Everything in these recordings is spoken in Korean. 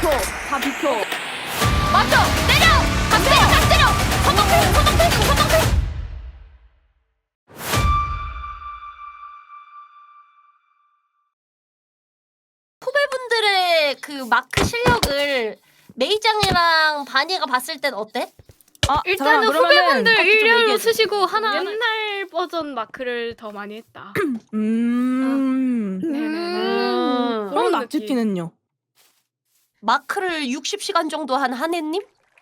다 비켜. 맞죠? 때려! 각 때려! 선동필! 후배분들의 그 마크 실력을 메이짱이랑 바니가 봤을 땐 어때? 일단은 잠깐만, 그러면은 후배분들 좀 일렬로 얘기해줘. 쓰시고 옛날 버전 마크를 더 많이 했다. 네네네. 그럼 그런 낙지티는요? 마크를 60시간 정도 한 한혜님?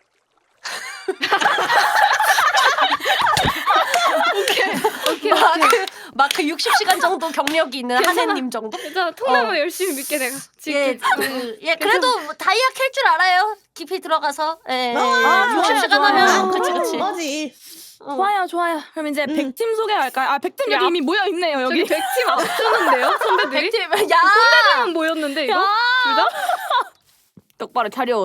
오케이. 마크 60시간 정도 경력이 있는 한혜님 정도? 괜찮아. 통나무 열심히 믿게 내가 예, 지금. 예, 그래도 뭐 다이아 캘 줄 알아요. 깊이 들어가서. 예, 좋아요, 60시간 좋아요. 하면 그치. 맞지. 좋아요. 그럼 이제 100팀 소개할까요? 100팀 야, 여기 이미 모여 있네요. 저기 여기. 100팀 앞서는데요? 선배들이? 백팀, 야! 만 모였는데 이거? 둘 다? 똑바로 차렷.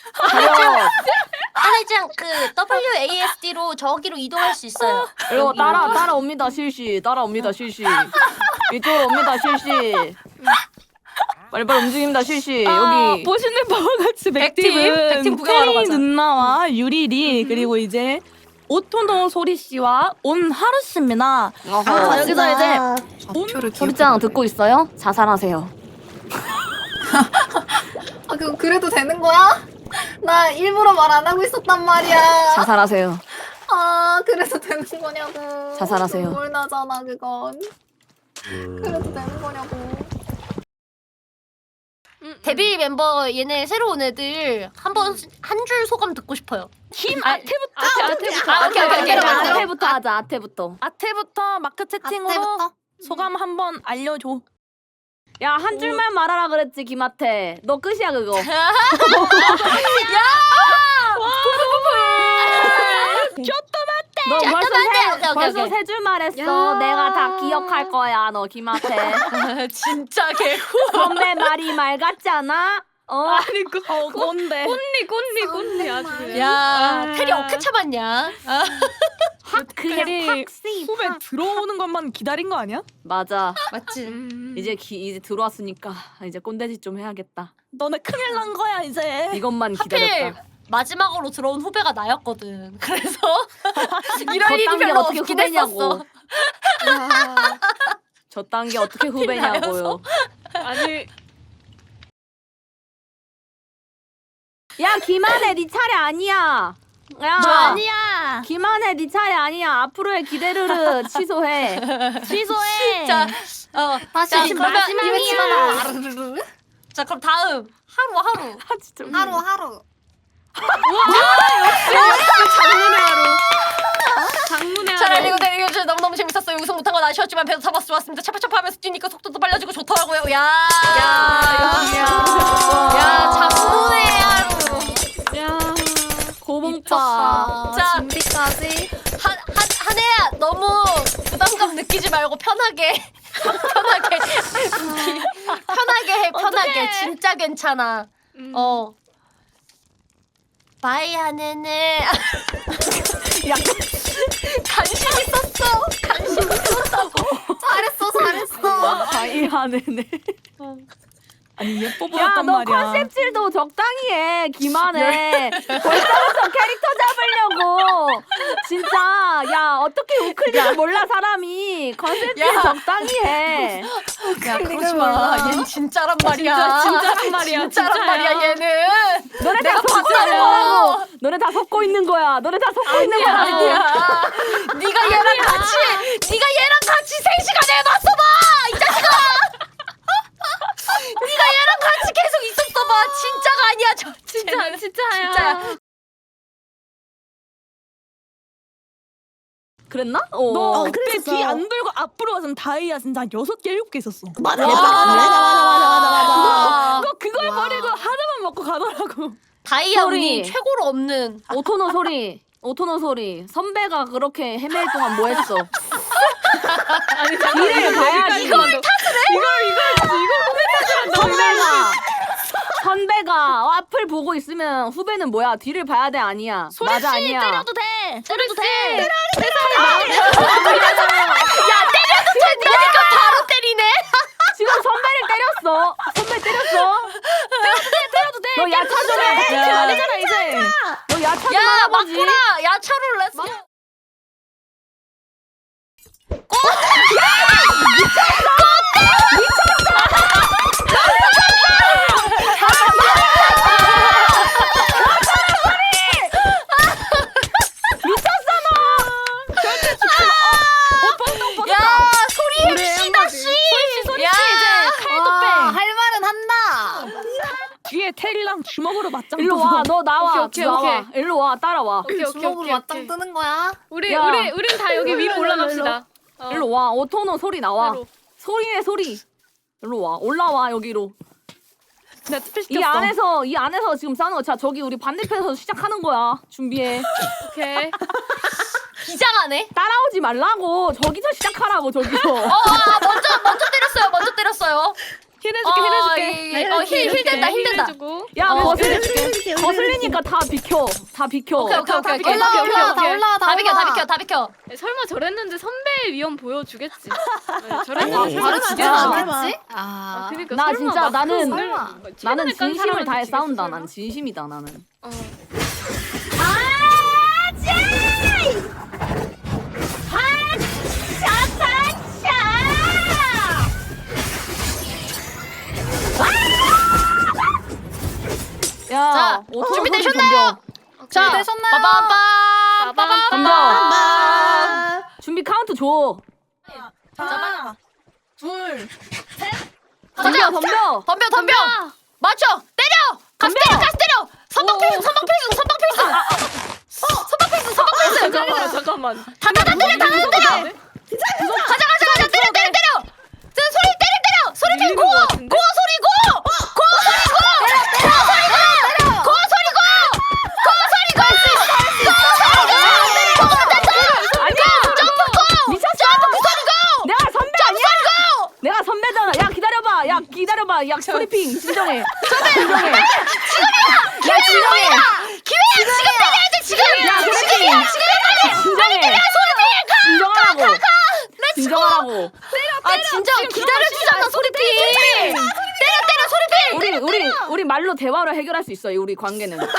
한혜짱 그 WASD로 저기로 이동할 수 있어요. 이거 따라옵니다 실시. 이쪽으로 옵니다 실시. 빨리빨리 움직입니다 실시. 여기 보시는 바와 같이 100팀 100팀은 구경하러 페이 가자. 누나와 유리리 그리고 이제 오토노 소리 씨와 온하루 씨입니다. 자, 여기서 이제 소리장 듣고 있어요? 자살하세요. 그래도 되는 거야? 나 일부러 말 안 하고 있었단 말이야. 자살하세요. 그래도 되는 거냐고. 자살하세요. 눈물 나잖아 그건. 그래도 되는 거냐고. 데뷔 멤버 얘네 새로 온 애들 한번 한 줄 소감 듣고 싶어요. 아태부터. 오케이. 아태부터 하자. 아태부터. 아태부터 마크 채팅으로 소감 한번 알려줘. 야 한 줄만 말하라 그랬지 김아태. 너 끝이야 그거. 너 벌써 오케이. 세 줄 말했어. 야. 내가 다 기억할 거야 너 김아태. 진짜 개구. 선배 말이 말 같지 않아? 아니 뭔데? 꼰니 아주 그냥. 야, 테리 어떻게 참았냐? 그냥 테리 팍씨. 후배 들어오는 것만 기다린 거 아니야? 맞아. 맞지. 이제 들어왔으니까 이제 꼰대짓 좀 해야겠다. 너네 큰일 난 거야 이제. 이것만 하필 기다렸다. 마지막으로 들어온 후배가 나였거든. 그래서 이럴 저 일이 단계 별로 어떻게 없긴 후배냐고. 했었어. 저 단계 어떻게 후배냐고요. 아니 야 김한혜 네 차례 아니야. 야 너 아니야. 김한혜 네 차례 아니야. 앞으로의 기대를 취소해. 취소해. 자, 다시 자, 지금 그러면 마지막이야. 자, 그럼 다음 하루. 하루. 장문의 잘 하루. 알리고 내리고 저 너무너무 재밌었어요. 우승 못한 건 아쉬웠지만 배도 잡아서 좋았습니다. 차파차파하면서 뛰니까 속도도 빨라지고 좋더라고요. 야, 장문의 하루. 야 고봉빠. 자, 준비까지. 한혜야 너무 부담감 느끼지 말고 편하게 해. 편하게. 진짜 괜찮아. 바이 한혜네. 관심 있었다고. 잘했어. 바이하네네. 아니 예뻐 보였단 야너 말이야. 컨셉질도 적당히 해. 김한혜. 벌써부터 캐릭터 잡으려고. 진짜 야 어떻게 우클릭을 몰라 사람이. 컨셉질 야. 적당히 해. 야, 그러지 마. 얘는 진짜란 말이야. 진짜란 말이야. 진짜란 진짜야. 말이야, 얘는. 너네 다 내가 속고 있는 봤다고. 거라고. 너네 다 속고 있는 거야. 너네 다 속고 있는 거라고. 아니야. 네가 얘랑 같이 3시간 해봤어 봐. 이 자식아. 네가 얘랑 같이 계속 있었어 봐. 진짜가 아니야. 쟤는. 진짜야. 진짜야. 그랬나? 너 그때 그랬었어. 뒤 안 돌고 앞으로 와서 다이아 진짜 한 6개 7개 있었어. 맞아. 너 그걸 버리고 하나만 먹고 가더라고. 다이아 소리. 운이 최고로 없는. 오토노 소리. 선배가 그렇게 헤맬 동안 뭐 했어? 아니 뒤를 봐야지. 이걸 선배가 앞을 보고 있으면 후배는 뭐야? 뒤를 봐야 돼 아니야? 맞아 아니야? 때려도 돼. 되니까 바로 때리네. 지금 선배를 때렸어. 선배 때렸어. 때려도 돼. 너 야차 좀 해. 그렇게 말이잖아 이제. 너 야차 좀 야 하라고지. 막구라 야차로 렛츠. 야 소리 MC다 씨. 소리 야. 이제 칼도 와, 빼. 할 말은 한다. 뒤에 테리랑 주먹으로 맞짱. 일로 와. 너 나와. 오케이, 나와. 오케이. 일로 와. 따라와. 오케이 오케이 주먹으로 오케이. 맞짱 오케이. 뜨는 거야? 우린 다 여기 위로 올라갑시다. 일로 와. 오토노 소리 나와. 바로. 소리에 소리. 일로 와. 올라와 여기로. 내가 투표 이 시켰어. 안에서 지금 싸는 거. 자 저기 우리 반대편에서 시작하는 거야. 준비해. 오케이. 기장하네. 따라오지 말라고. 저기서 시작하라고 저기서. 먼저 때렸어요. 힐해줄게 힐해줄게. 힐 된다. 해주고. 야 힐해줄게. 거슬리니까 다 비켜. 다 비켜. 오케이. 올라와, 다 올라와, 다 비켜. 네, 설마 저랬는데 선배의 위험 보여주겠지. 네, 저랬는데 아니, 설마 바로 진짜. 주지 않겠지? 아. 그러니까 나 설마 진짜 막 나는- 설마. 나는 진심을 다해 지겠어, 싸운다. 설마? 난 진심이다 나는. 어. 야, 자, 오토노 준비되셨나요? 소리 자, 되셨나요? 빠밤빰. 덤벼. 덤벼. 준비 카운트 줘. 하나, 둘, 덤벼 덤벼. 덤벼. 맞춰. 때려. 가스 때려. 선방 필승. 잠깐만. 다 때려. 가자. 때려. 저 소리 때려. 소리 밀리는 고어. 것 같은데? 고어 소리. 미쳤어. 내가 선배 아니야? 내가 선배잖아. 야 기다려봐. 야 스토리핑 진정해. 진정해. 야 진정해. 기회야. 지금 때려야 돼. 지금. 야 스토리핑. 진정해. 진정하라고. 아 진정 기다려주잖아 소리핑. 때려 소리핑. 우리 말로 대화로 해결할 수 있어. 우리 관계는. 야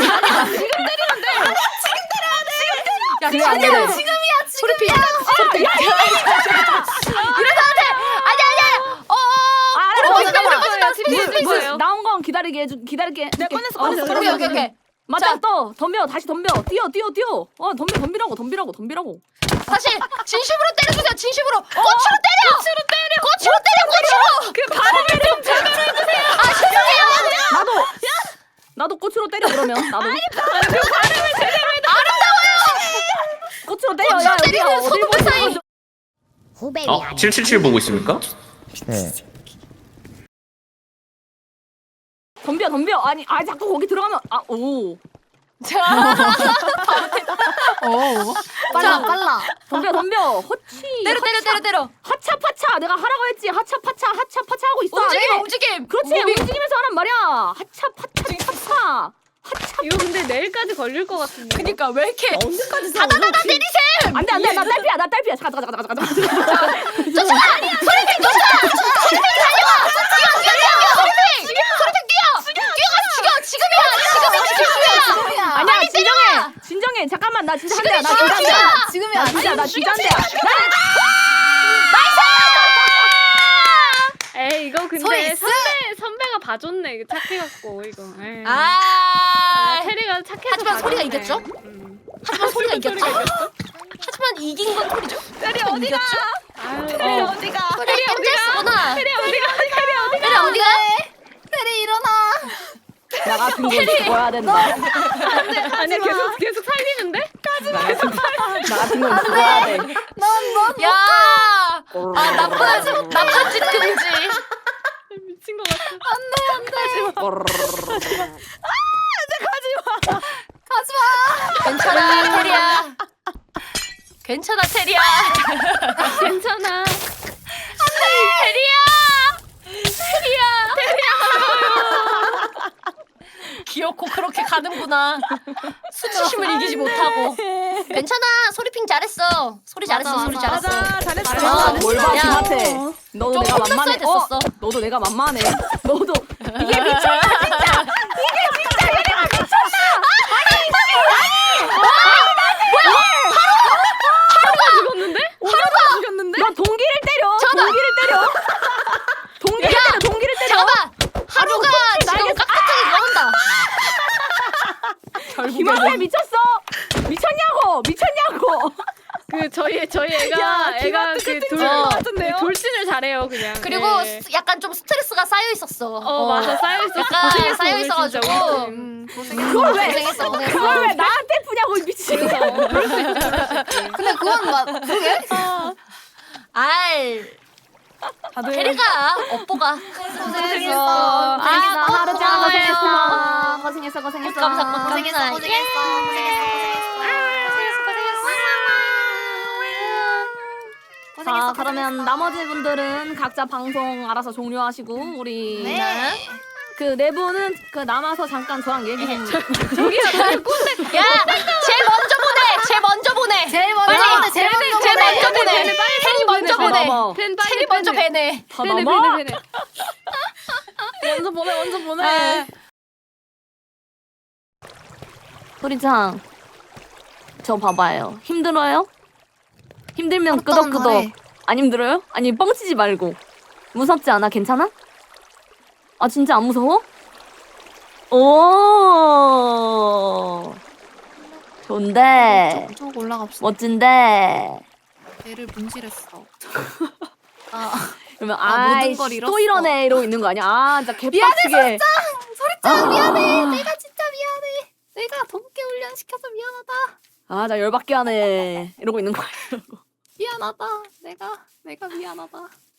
그래, 안 그래? 지금이야. 소리핑. 이래서 안 돼. 아니야. 알았어. 잠깐만. TV에서 있어요. 나온 건 기다릴게. 내가 꺼냈어. 오케이. 맞아. 자. 또 덤벼. 다시 덤벼. 뛰어. 덤비라고. 다시 진심으로 때려주세요. 진심으로. 꽃으로 때려. 그 발음을 좀 제대로 해주세요. 아 죄송해요. 나도 꽃으로 때려 그러면. 나도. 꽃으로 때려. 야 여기야. 때리는 어딜 손톱 보고 사이. 있어? 777 보고 있습니까? 네. 덤벼. 아니 자꾸 거기 들어가면 오. 빨라. 덤벼. 허치. 때려. 하차파차. 내가 하라고 했지. 하차파차 하고 있어. 움직임. 그렇지. 움직이면서 하란 말이야. 하차파차. 이거 근데 내일까지 걸릴 것 같은데. 그니까 왜 이렇게 언제까지 다다다다 때리셈. 안돼. 나 딸피야. 잠깐. 지금이야. 아니야 진정해. 잠깐만 나 진짜 한대야. 지금이야. 나 진짜 한대야. 에이 이거 근데 소리 선배가 봐줬네. 이거 착해갖고 이거. 에이. 테리가 착해서 하지만 소리가 봐줬네. 이겼죠? 하지만 소리가 이겼죠? 하지만 이긴 건 소리죠. 테리 어디가? 테리 어디가? 소리 엠제스구나. 테리 어디가? 테리 어디가? 테리 일어나. 나 같은 거 죽어야 된다. 아니 계속 살리는데? 나 같은 건 죽어야 돼. 야, 나쁜 짓 금지. 미친 것 같아. 괜찮아, 테리야. 괜찮아, 테리야. 괜찮아. 귀엽고 그렇게 가는구나. 수치심을 이기지 못하고. 괜찮아, 소리핑 잘했어. 소리 잘했어. 잘했어. 뭘 봐, 야. 지마태. 너도 좀 내가 혼났어야 만만해. 됐었어. 너도 내가 만만해. 너도 이게 미쳤다 진짜. 이게 미쳤어? 미쳤냐고? 그 저희 애가 야, 애가 기분 그 것 같은데요? 돌진을 잘해요 그냥. 그리고 네. 약간 좀 스트레스가 쌓여 있었어. 맞아 쌓여 있어. 약간 쌓여 있어가지고. 그걸 왜? 고생했어. 그걸 왜 나한테 푸냐고 이 미친 거. 근데 그건 막 그게 아이 다들 테리가 업보가 고생했어. 하루짱 고마워요. 고생했어. 감사합니다. 고생했어. 자, 그러면 나머지 분들은 각자 방송 알아서 종료하시고 우리 네. 그 네 분은 그 남아서 잠깐 저랑 얘기 좀. 야, 제일 먼저 보내. 제일 먼저 보내. 테리 먼저 보내. 넘어. 펜 테리 먼저 배내. 더 넘어. 먼저 보내. 소리장, 저 봐봐요. 힘들어요? 힘들면 끄덕끄덕. 안 힘들어요? 아니 뻥치지 말고. 무섭지 않아? 괜찮아? 아 진짜 안 무서워? 오 좋은데 쭉 올라갑시다. 멋진데. 배를 분실했어. 그러면 아, 모든 아이 걸 잃었어. 또 이러네 이러고 있는 거 아니야? 아 진짜 개빡치게. 소리짱 미안해. 내가 진짜 미안해. 내가 덥게 훈련시켜서 미안하다. 아 나 열받게 하네 이러고 있는 거 아니야? 미안하다. 내가 미안하다.